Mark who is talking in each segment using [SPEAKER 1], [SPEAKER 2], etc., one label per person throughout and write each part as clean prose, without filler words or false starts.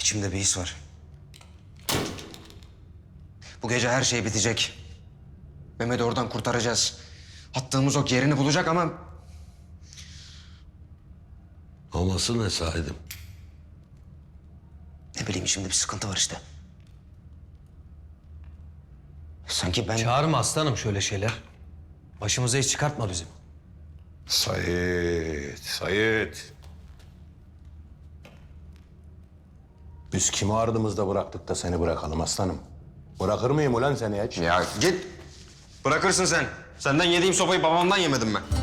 [SPEAKER 1] İçimde bir his var. Bu gece her şey bitecek. Mehmet'i oradan kurtaracağız. Attığımız ok yerini bulacak ama...
[SPEAKER 2] Aması ne Said'im?
[SPEAKER 1] Ne bileyim, şimdi bir sıkıntı var işte. Sanki ben...
[SPEAKER 3] Çağırma aslanım şöyle şeyler. Başımıza hiç çıkartma bizim.
[SPEAKER 4] Sait. Biz kimi ardımızda bıraktık da seni bırakalım aslanım? Bırakır mıyım ulan seni hiç?
[SPEAKER 1] Ya git. Bırakırsın sen. Senden yediğim sopayı babamdan yemedim ben.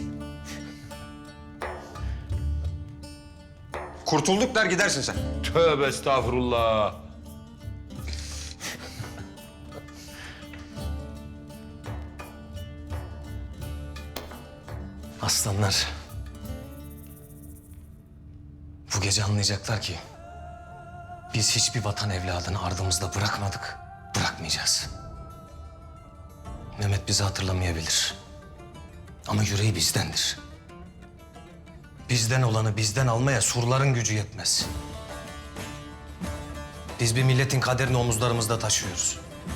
[SPEAKER 1] Kurtulduk der gidersin sen.
[SPEAKER 4] Tövbe estağfurullah.
[SPEAKER 3] Aslanlar. Bu gece anlayacaklar ki biz hiçbir vatan evladını ardımızda bırakmadık, bırakmayacağız. Mehmet bizi hatırlamayabilir. Ama yüreği bizdendir. Bizden olanı bizden almaya surların gücü yetmez. Biz bir milletin kaderini omuzlarımızda taşıyoruz.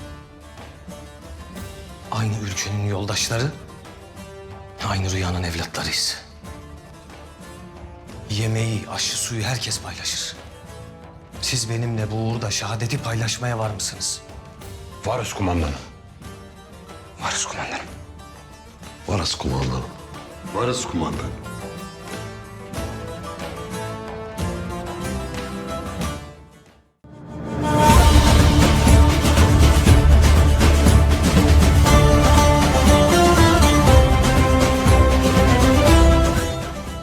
[SPEAKER 3] Aynı ülkenin yoldaşları, aynı rüyanın evlatlarıyız. Yemeği, aşı, suyu herkes paylaşır. Siz benimle bu uğurda şehadeti paylaşmaya var mısınız?
[SPEAKER 4] Varız kumandanım.
[SPEAKER 1] Varız kumandanım.
[SPEAKER 2] Varız kumandanım. Varız kumandanım.